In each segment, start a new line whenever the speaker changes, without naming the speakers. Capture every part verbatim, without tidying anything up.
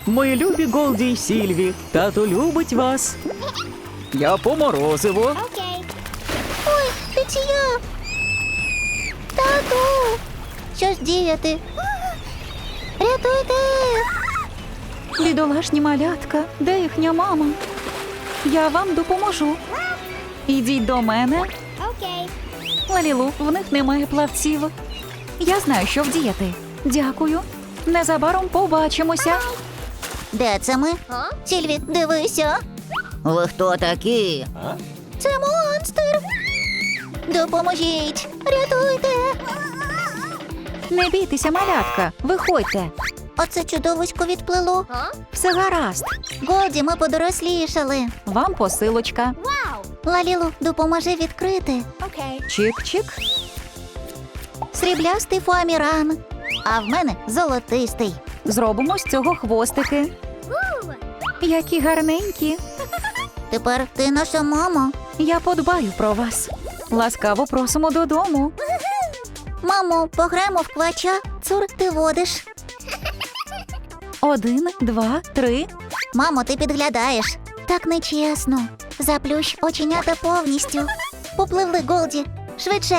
Мої любі Голді й Сільві, тато любить вас. Я по морозиво.
Окей. Ой, Петя! Тату! Що ж діяти? Рятуйте!
Бідолашні малятка, де їхня мама? Я вам допоможу. Ідіть до мене.
Окей.
Лалілу, в них немає плавців. Я знаю, що вдіяти. Дякую. Незабаром побачимося.
Де це ми? Сільві, дивися. Ви хто такі? Це монстр. Допоможіть. Рятуйте.
Не бійтеся, малятка. Виходьте.
Оце чудовисько відплило.
Все гаразд.
Голді, ми подорослішали.
Вам посилочка.
Лалілу, допоможи відкрити.
Чик-чик.
Сріблястий фоаміран. А в мене золотистий.
Зробимо з цього хвостики. Які гарненькі.
Тепер ти наша мама.
Я подбаю про вас. Ласкаво просимо додому.
Мамо, пограємо в квача. Цур, ти водиш.
Один, два, три.
Мамо, ти підглядаєш. Так нечесно. Заплющ оченята повністю. Попливли, Голді. Швидше.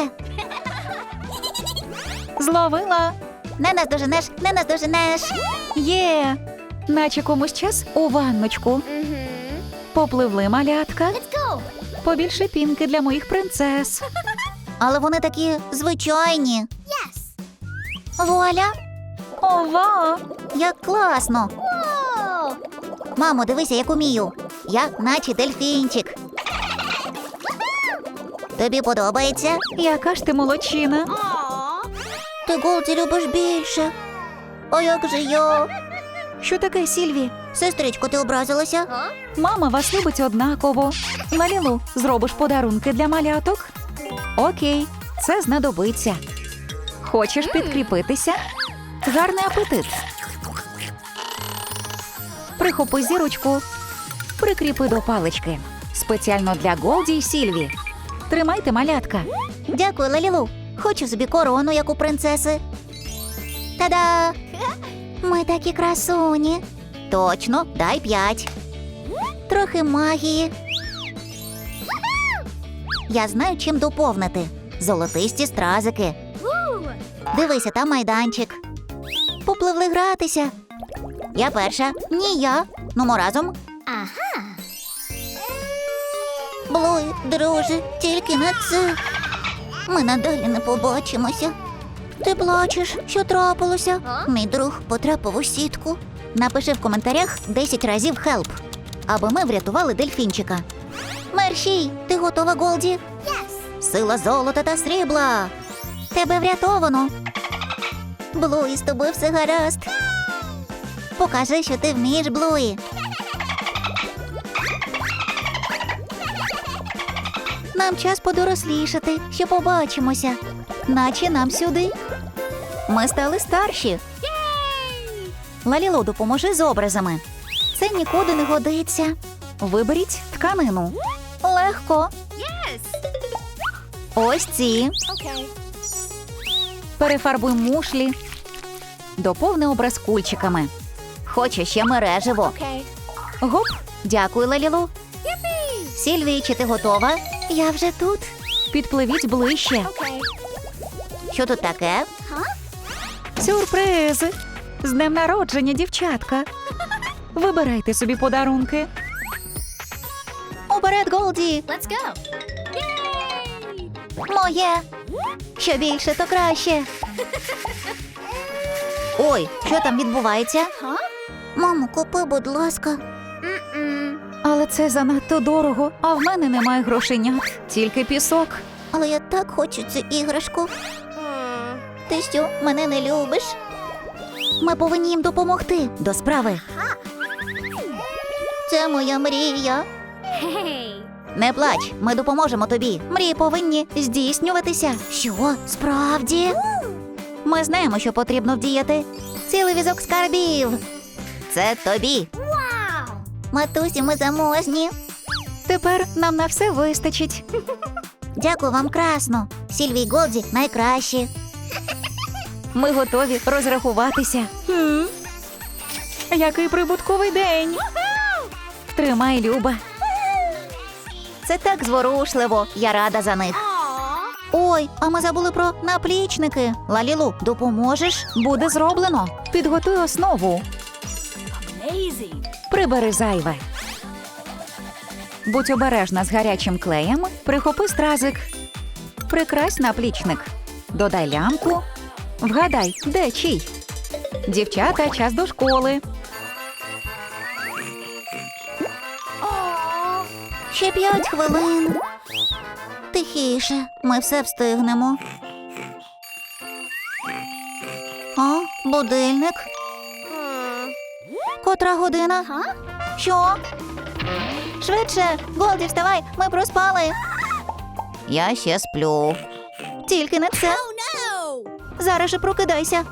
Зловила.
Не наздоженеш, не наздоженеш.
Є. Наче комусь час у ванночку. Попливли, малятка. Побільше пінки для моїх принцес.
Але вони такі звичайні. Вуаля,
Ова!
як класно. Мамо, дивися, як умію. Я наче дельфінчик. Тобі подобається?
Яка ж ти молодчина.
Ти, Голді, любиш більше. А як же я?
Що таке, Сільві?
Сестричко, ти образилася?
Мама вас любить однаково. Лалілу, зробиш подарунки для маляток? Окей, це знадобиться. Хочеш підкріпитися? Гарний апетит. Прихопи зірочку. Прикріпи до палички. Спеціально для Голді й Сільві. Тримайте, малятка.
Дякую, Лалілу. Хочу собі корону, як у принцеси. Та-да! Ми такі красуні. Точно, дай п'ять. Трохи магії. Я знаю, чим доповнити. Золотисті стразики. Дивися, там майданчик. Попливли гратися. Я перша. Ні, я. Нумо разом. Ага. Блуй, друже, тільки на це. Ми надалі не побачимося. Ти плачеш, що трапилося? Мій друг потрапив у сітку. Напиши в коментарях десять разів «хелп», аби ми врятували дельфінчика. Мерщій, ти готова, Голді? Yes. Сила золота та срібла. Тебе врятовано. Блуї, з тобою все гаразд. Покажи, що ти вмієш, Блуї. Нам час подорослішати, ще побачимося. Наче нам сюди. Ми стали старші. Лалілу, допоможи з образами. Це нікуди не годиться.
Виберіть тканину.
Легко. Ось ці.
Перефарбуй мушлі. Доповни образ кульчиками.
Хочу ще мереживо.
Гоп.
Дякую, Лалілу. Сільві, чи ти готова? Я вже тут.
Підпливіть ближче.
Що тут таке?
Сюрприз! З днем народження, дівчатка. Вибирайте собі подарунки.
Уперед, Голді. Моє. Що більше, то краще. Ой, що там відбувається? Мамо, купи, будь ласка.
Але це занадто дорого, а в мене немає грошенят, тільки пісок.
Але я так хочу цю іграшку. Ти що, мене не любиш? Ми повинні їм допомогти. До справи. Це моя мрія. Не плач, ми допоможемо тобі. Мрії повинні здійснюватися. Що, справді? Ми знаємо, що потрібно вдіяти. Цілий візок скарбів. Це тобі. Матусі, ми заможні.
Тепер нам на все вистачить.
Дякую вам красно. Сільві й Голді найкращі.
Ми готові розрахуватися. Який прибутковий день. Тримай, Люба.
Це так зворушливо, я рада за них. Ой, а ми забули про наплічники. Лалілу, допоможеш?
Буде зроблено. Підготуй основу. Прибери зайве. Будь обережна з гарячим клеєм. Прихопи стразик. Прикрась наплічник. Додай лямку. Вгадай, де чий? Дівчата, час до школи.
Ще п'ять хвилин. Тихіше, ми все встигнемо. О, будильник. Котра година? Що? Швидше, Голді, вставай, ми проспали. Я ще сплю. Тільки не це. Зараз же прокидайся.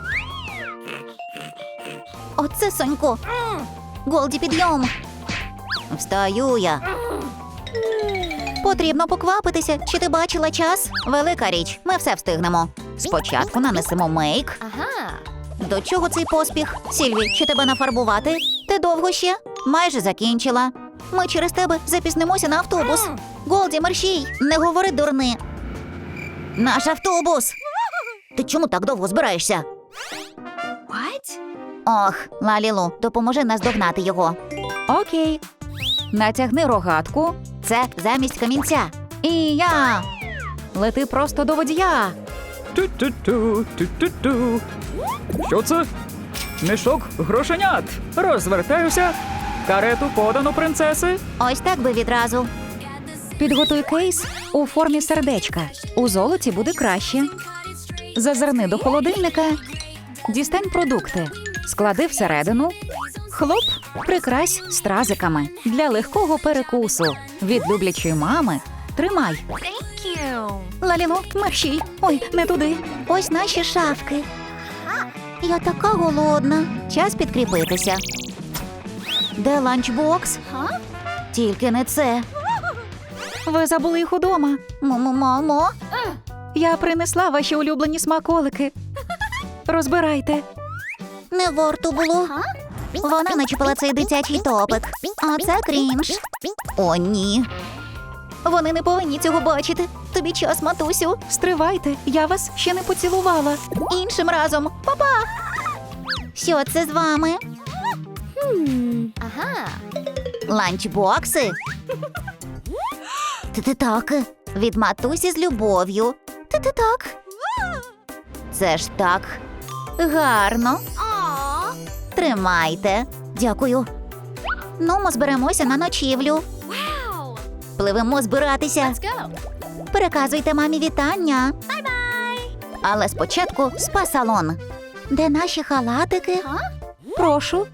Оце Сонько. Голді, підйом. Встаю я. Потрібно поквапитися. Чи ти бачила час? Велика річ. Ми все встигнемо. Спочатку нанесемо мейк. До чого цей поспіх? Сільві, чи тебе нафарбувати? Ти довго ще? Майже закінчила. Ми через тебе запізнимося на автобус. Голді, мерщій, не говори дурни. Наш автобус. Ти чому так довго збираєшся? Ох, Лалілу, допоможи нас догнати його.
Окей. Натягни рогатку.
Це замість камінця.
І я. Лети просто до водія.
Ту-ту-ту, ту-ту-ту. Що це? Мішок грошенят. Розвертаюся. Карету подано, принцеси.
Ось так би відразу.
Підготуй кейс у формі сердечка. У золоті буде краще. Зазирни до холодильника. Дістань продукти. Склади всередину. Хлоп, прикрась стразиками для легкого перекусу. Від люблячої мами. Тримай.
Лалілу, мерщій. Ой, не туди. Ось наші шафки. Я така голодна. Час підкріпитися. Де ланчбокс? Тільки не це.
Ви забули їх удома.
Мамо, мамо.
Я принесла ваші улюблені смаколики. Розбирайте.
Не варто було. Вона начепила цей дитячий топик. А це крінж. О, ні. Вони не повинні цього бачити. Тобі час, матусю.
Стривайте, я вас ще не поцілувала.
Іншим разом. Па-па! Що це з вами? Ага. Ланчбокси? Ти-ти так. Від матусі з любов'ю. Ти-ти так. Це ж так гарно. Тримайте. Дякую. Ну, ми зберемося на ночівлю. Пливемо збиратися. Переказуйте мамі вітання. Але спочатку спа-салон. Де наші халатики?
Прошу.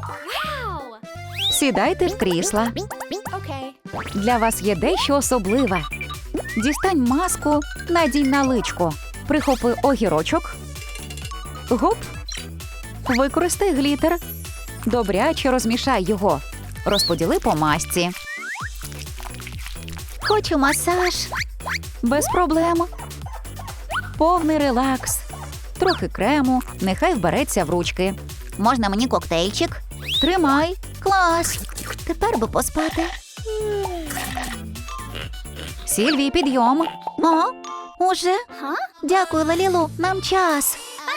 Сідайте в крісла. Для вас є дещо особливе. Дістань маску, надінь на личко. Прихопи огірочок. Гоп. Використай глітер. Добряче розмішай його. Розподіли по масці.
Хочу масаж.
Без проблем. Повний релакс. Трохи крему, нехай вбереться в ручки.
Можна мені коктейльчик?
Тримай.
Клас. Тепер би поспати.
Сільвій, підйом.
О, уже? Дякую, Лалілу, нам час.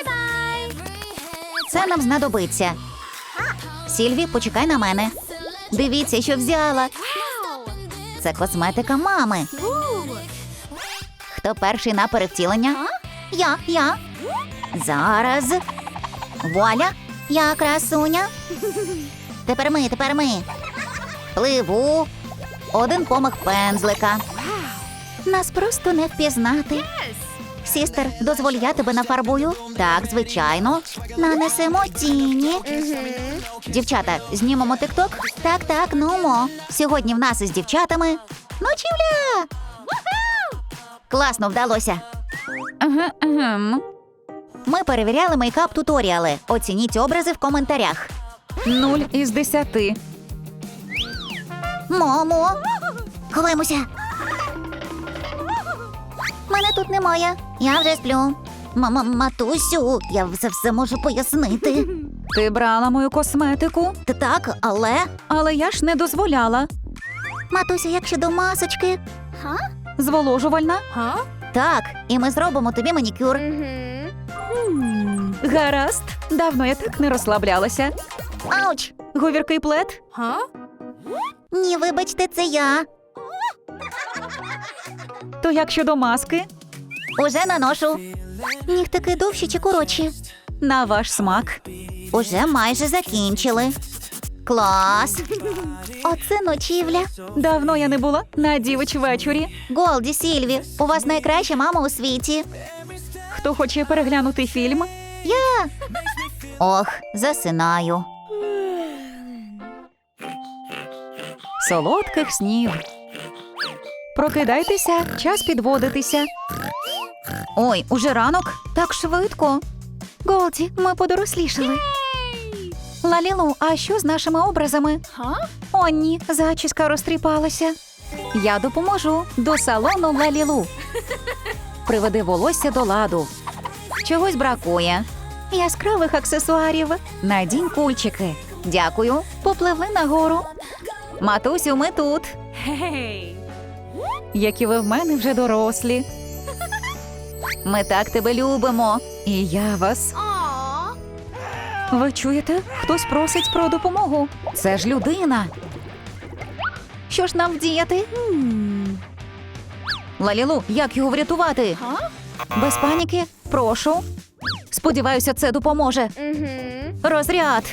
Це нам знадобиться. Сільві, почекай на мене. Дивіться, що взяла. Це косметика мами. Хто перший на перевтілення? Я, я. Зараз. Вуаля, я красуня. Тепер ми, тепер ми. Пливу. Один помах пензлика. Нас просто не впізнати. Сістер, дозволь, я тебе нафарбую? Так, звичайно. Нанесемо тіні. Дівчата, знімемо тик-ток? Так, так, нумо. Сьогодні в нас із дівчатами ночівля! Класно вдалося.
Ага, ага.
Ми перевіряли мейкап-туторіали. Оцініть образи в коментарях.
Нуль із десяти.
Мамо! Ховаємося. Мене тут немає. Я вже сплю. Мама, матусю, я все все можу пояснити.
Ти брала мою косметику,
Та так, але.
але я ж не дозволяла.
Матусю, як щодо масочки?
Зволожувальна?
Так, і ми зробимо тобі манікюр.
Гаразд. Давно я так не розслаблялася.
Ауч!
Говіркий плед?
Ні, вибачте, це я.
То як щодо маски?
Уже наношу. Нігтики довші чи коротші?
На ваш смак.
Уже майже закінчили. Клас! Оце ночівля.
Давно я не була на дівич вечорі.
Голді, Сільві, у вас найкраща мама у світі.
Хто хоче переглянути фільм?
Я. Ох, засинаю.
Солодких снів. Прокидайтеся, час підводитися.
Ой, уже ранок? Так швидко.
Голді, ми подорослішали. Лалілу, а що з нашими образами? О, ні, зачіска розтріпалася. Я допоможу. До салону Лалілу. Приведи волосся до ладу.
Чогось бракує.
Яскравих аксесуарів. Надінь кульчики.
Дякую.
Попливли нагору.
Матусю, ми тут.
Які ви в мене вже дорослі.
Ми так тебе любимо.
І я вас. Ви чуєте? Хтось просить про допомогу. Це ж людина. Що ж нам вдіяти?
Лалілу, як його врятувати?
Без паніки, прошу. Сподіваюся, це допоможе.
Розряд.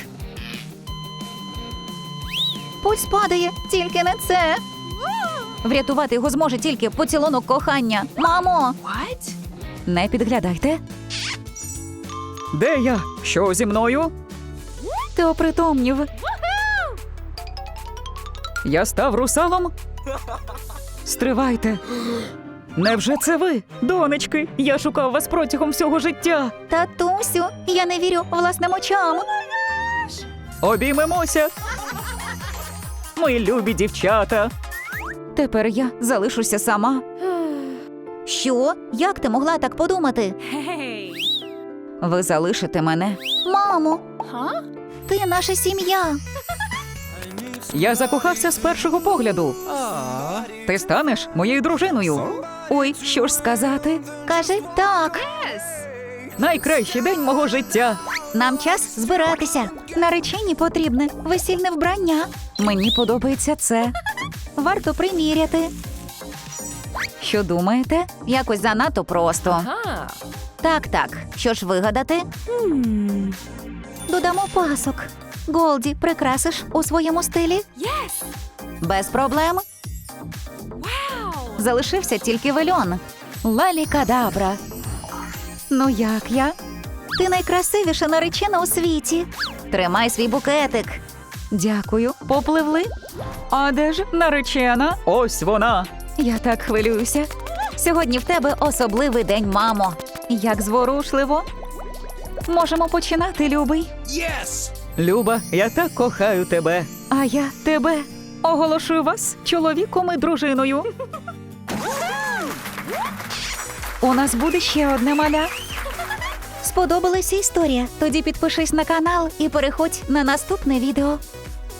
Пульс падає, тільки не це. Врятувати його зможе тільки поцілунок кохання.
Мамо!
Не підглядайте.
Де я? Що зі мною?
Ти опритомнів.
Я став русалом? Стривайте. Невже це ви? Донечки, я шукав вас протягом всього життя.
Татусю, я не вірю власним очам.
Обіймемося. Мої любі дівчата.
Тепер я залишуся сама.
Що? Як ти могла так подумати?
Ви залишите мене.
Мамо! Ти наша сім'я.
Я закохався з першого погляду. Ти станеш моєю дружиною.
Ой, що ж сказати?
Кажи так.
Найкращий день мого життя.
Нам час збиратися.
Нареченій потрібне весільне вбрання. Мені подобається це. Варто приміряти. Що думаєте?
Якось занадто просто. Так, так. Що ж вигадати?
Додамо пасок. Голді, прикрасиш у своєму стилі?
Без проблем.
Залишився тільки вельон. Лалі-кадабра. Ну як я? Ти найкрасивіша наречена у світі.
Тримай свій букетик.
Дякую. Попливли? А де ж наречена?
Ось вона.
Я так хвилююся.
Сьогодні в тебе особливий день, мамо.
Як зворушливо. Можемо починати, любий.
Люба, я так кохаю тебе.
А я тебе. Оголошую вас чоловіком і дружиною. У нас буде ще одне маля.
Сподобалася історія? Тоді підпишись на канал і переходь на наступне відео.